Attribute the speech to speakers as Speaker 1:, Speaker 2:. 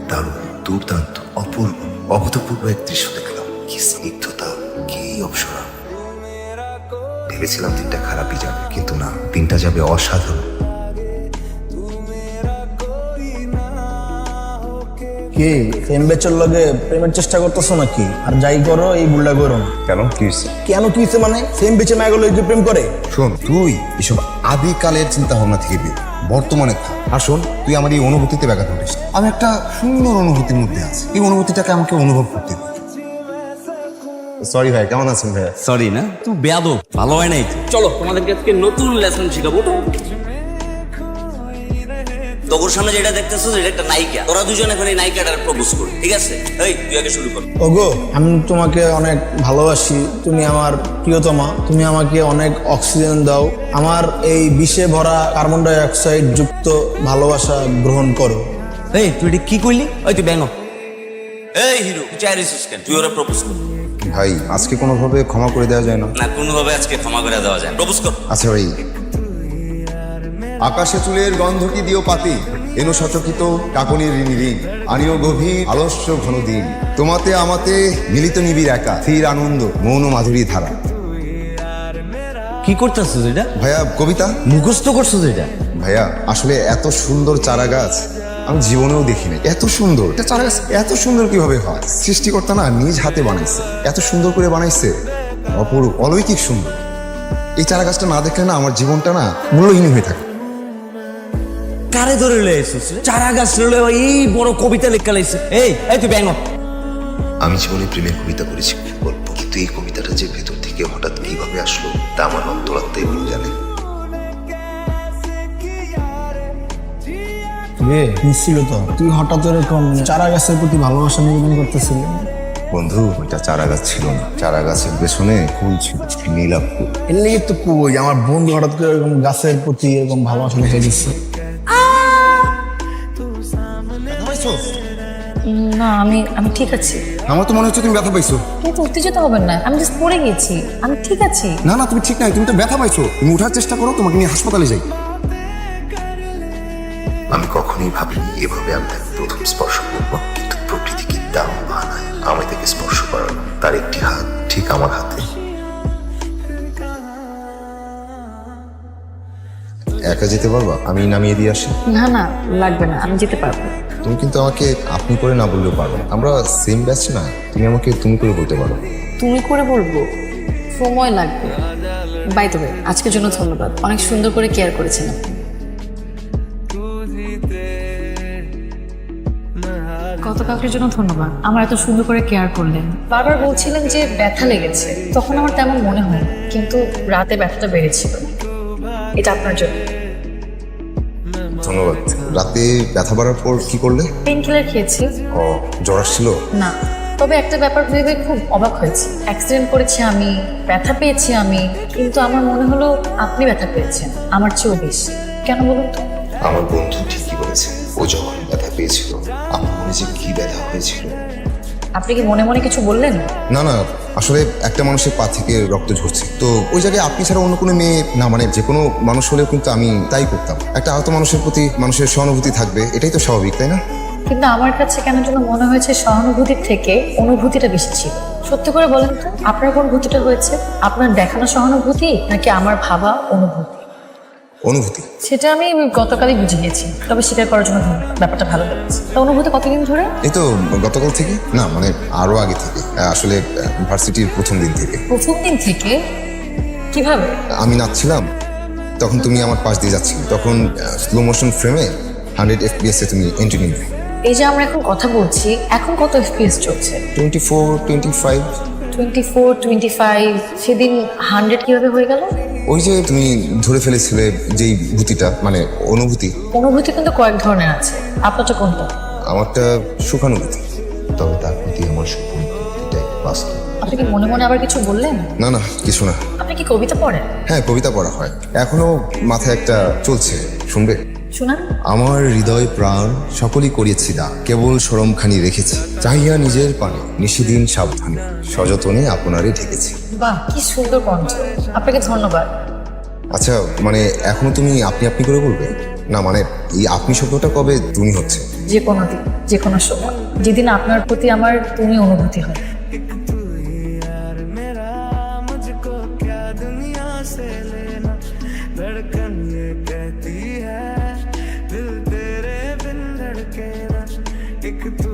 Speaker 1: দারুণ, দুর্দান্ত, অপূর্ব, অভূতপূর্ব এক দৃশ্য দেখলাম। কি স্নিগ্ধতা, কি অপসরা। ভেবেছিলাম দিনটা খারাপই যাবে, কিন্তু না, দিনটা যাবে অসাধারণ।
Speaker 2: কি সেম বেচের লগে প্রেমের চেষ্টা করতেছো নাকি? আর যাই করো এই ভুলটা করো না।
Speaker 1: কেন, কি হয়েছে?
Speaker 2: কেন কি হয়েছে মানে? সেম বেচে মায়াগুলো যে প্রেম করে।
Speaker 3: শোন, তুই এসব আদিকালের চিন্তা ভাবনা থেকে বের, বর্তমানে থাক। আর শোন, তুই আমার এই অনুভূতিতে ব্যাঘাত ঘটিস। আমি একটা সুন্দর অনুভূতির মধ্যে আছি, এই অনুভূতিটাকে আমাকে অনুভব করতে দিই। সরি ভাই, কেমন আছেন ভাইয়া?
Speaker 4: সরি না, তুই বেয়াদব, ভালো হয় নাই। চলো তোমাদেরকে আজকে নতুন লেসন শিখাবো। তোর সামনে যেটা দেখতেছো এটা একটা নায়িকা, তোরা দুজন এখন এই নায়িকাটার প্রপোজ করো, ঠিক আছে? এই তুই আগে শুরু কর।
Speaker 2: ওগো, আমি তোমাকে অনেক ভালোবাসি, তুমি আমার প্রিয়তমা, তুমি আমাকে অনেক অক্সিজেন দাও, আমার এই বিষে ভরা কার্বন ডাই অক্সাইড যুক্ত ভালোবাসা গ্রহণ করো।
Speaker 4: এই তুই এটা কি করলি? ওই তুই ব্যাঙ। এই হিরো, তুই চাই রিসোর্স কেন? তুই ওরা প্রপোজ কর।
Speaker 3: ভাই, আজকে কোনোভাবে ক্ষমা করে দেওয়া যায় না?
Speaker 4: না, কোনোভাবে আজকে ক্ষমা করে দেওয়া যায়। প্রপোজ কর।
Speaker 3: আচ্ছা ভাই। আকাশে চুলের গন্ধটি দিও পাতি, এনো সচকিত কাকনির ঋণী ঋণ, আনিও গভীর আলস্য ঘন দিন, তোমাতে আমাতে মিলিত নিবিড় একা, স্থির আনন্দ মৌন মাধুরী ধারা।
Speaker 4: কি করতেছিস এটা?
Speaker 3: ভাইয়া, কবিতা
Speaker 4: মুখস্থ করছিস এটা?
Speaker 3: ভাইয়া, আসলে এত সুন্দর চারা গাছ আমি জীবনেও দেখিনি। এত সুন্দর এটা চারা গাছ, এত সুন্দর কিভাবে হয়? সৃষ্টিকর্তা না নিজ হাতে বানাইছে, এত সুন্দর করে বানাইছে, অপরূপ, অলৌকিক সুন্দর। এই চারা গাছটা না দেখলে না আমার জীবনটা না মূল্যহীন হয়ে থাকে।
Speaker 4: কারে ধরে লয়েছিস? চারা গাছ লয়ে এই বড় কবিতা লেখা লাইছে। এই এই তুই ব্যাঙ।
Speaker 1: আমি জীবনে প্রেমের কবিতা করেছি গল্প, কিন্তু এই কবিতাটা যে ভেতর থেকে হঠাৎ কিভাবে আসলো তা আমার অন্তরাত্মাই ভালো জানে।
Speaker 2: নিশ্চিত তো তুই হঠাৎ এরকম চারা গাছের প্রতি ভালোবাসা নিবেদন করতেছিলি?
Speaker 3: বন্ধু, ওইটা চারা গাছ ছিল না, চারা গাছের পেছনে ফুল ছিল, নীলাভ ফুল।
Speaker 2: এর লেগে তো কই আমার বন্ধু হঠাৎ করে এরকম গাছের প্রতি এরকম ভালোবাসা দেখে দিচ্ছে।
Speaker 5: না, আমি ঠিক আছি।
Speaker 3: আমার তো মনে হচ্ছে তুমি ব্যথা পাইছো।
Speaker 5: কিন্তু উত্তেজিত হবেন না, আমি জাস্ট পড়ে গেছি, আমি ঠিক আছি।
Speaker 3: না না, তুমি ঠিক নাই, তুমি তো ব্যথা পাইছো। তুমি উঠার চেষ্টা করো, তোমাকে নিয়ে হাসপাতালে যাই।
Speaker 1: আমি কখনোই ভাবিনি এভাবে আমি তাকে প্রথম স্পর্শ করবো, কিন্তু প্রকৃতি কি দাম বানায় আমি তাকে স্পর্শ করালো। তার একটি হাত ঠিক আমার হাতে।
Speaker 3: একা যেতে পারবা? আমি নামিয়ে দিয়ে আসি।
Speaker 5: না না, লাগবে না, আমি যেতে পারবো।
Speaker 3: তুমি কিন্তু আমাকে আপনি করে না বললেও পারো, আমরা সেম ব্যাচ না। তুমি আমাকে তুমি করে বলতে পারো।
Speaker 5: তুমি করে বলবো, সময় লাগবে। বাই দ্য ওয়ে, আজকের জন্য ধন্যবাদ, অনেক সুন্দর করে কেয়ার করেছেন আপনি। গতকালকের জন্য ধন্যবাদ, আমার এত সুন্দর করে কেয়ার করলেন। বারবার বলছিলেন যে ব্যথা লেগেছে, তখন আমার তেমন মনে হয়, কিন্তু রাতে ব্যথাটা বেড়েছিল। এটা আপনার জন্য।
Speaker 3: ধন্যবাদ। রাতে ব্যথা বাড়ার পর কি করলে?
Speaker 5: পেন কিলার খেয়েছি।
Speaker 3: ও, জ্বর আসছিল?
Speaker 5: না, তবে একটা ব্যাপার ভেবে খুব অবাক হয়েছি। অ্যাক্সিডেন্ট করেছি আমি, ব্যথা পেয়েছি আমি, কিন্তু আমার মনে হলো আপনি ব্যথা পেয়েছেন আমার চেয়েও বেশি। কেন বলুন তো?
Speaker 1: আমার বন্ধু ঠিকই বলেছে, ও যখন ব্যথা পেয়েছিল আমার মনে যে কি ব্যথা হয়েছিল।
Speaker 5: আপনি কি মনে মনে কিছু বললেন?
Speaker 3: না না, আসলে একটা মানুষের পা থেকে রক্ত ঝরছে, তো ওই জায়গায় আপনি ছাড়া অন্য কোনো মেয়ে না, মানে যে কোনো মানুষ হলেও কিন্তু আমি তাই করতাম। একটা আহত মানুষের প্রতি মানুষের সহানুভূতি থাকবে, এটাই তো স্বাভাবিক, তাই না?
Speaker 5: কিন্তু আমার কাছে কেন যেন মনে হয়েছে সহানুভূতির থেকে অনুভূতিটা বেশি ছিল। সত্যি করে বলেন তো, আপনার কোন ভূতিটা হয়েছে? আপনার দেখানো সহানুভূতি নাকি আমার ভাবা অনুভূতি?
Speaker 3: অনুভূতি।
Speaker 5: সেটা আমি গতকালই বুঝে গেছি, তবে স্বীকার করার জন্য ধন্যবাদ। ব্যাপারটা ভালো লেগেছে। তা অনুভূতি কতদিন ধরে?
Speaker 3: এই তো গতকাল থেকে না, মানে আরো আগে থেকে, আসলে ভার্সিটির প্রথম দিন থেকে।
Speaker 5: প্রথম দিন থেকে? কিভাবে?
Speaker 3: আমি নাচছিলাম, তখন তুমি আমার পাশ দিয়ে যাচ্ছিলে, তখন স্লো মোশন ফ্রেমে 100 FPS এ তুমি এন্ট্রি নিবে।
Speaker 5: এই যে আমরা এখন কথা বলছি, এখন কত FPS চলছে?
Speaker 3: 24, 25।
Speaker 5: 24, 25। সেদিন 100 কিভাবে হয়ে গেল?
Speaker 3: ওই যে তুমি ধরে ফেলেছিলে যেই ভূতিটা, মানে অনুভূতি।
Speaker 5: অনুভূতি কিন্তু কয়েক ধরনের আছে, আপনারটা কোনটা?
Speaker 3: আমারটা সুখানুভূতি।
Speaker 1: তবে তার প্রতি আমার সম্পূর্ণ এটাই বাস্তব।
Speaker 5: আপনি কি মনে মনে আবার কিছু বললেন?
Speaker 3: না না, কিছু না।
Speaker 5: আপনি কি কবিতা পড়েন?
Speaker 3: হ্যাঁ, কবিতা পড়া হয়, এখনো মাথায় একটা চলছে, শুনবে?
Speaker 5: শোনান।
Speaker 3: আমার হৃদয় প্রাণ সকলই করিয়েছি দা, কেবল সরমখানি রেখেছি, চাহিয়া নিজের পানে নিশিদিন সাবধানে, সযতনে আপনারই ঢেকেছি।
Speaker 5: বাহ, কি সুন্দর কণ্ঠ, আপনাকে ধন্যবাদ।
Speaker 3: আচ্ছা মানে এখনো তুমি আপনি আপনি করে বলবে না, মানে এই আপনি শব্দটা কবে তুমি হচ্ছে?
Speaker 5: যে কোনো দিন, যে কোনো সময়, যেদিন আপনার প্রতি আমার তুমি অনুভূতি হয়।
Speaker 6: धड़कन ये कहती है दिल तेरे बिन धड़के ना एक तू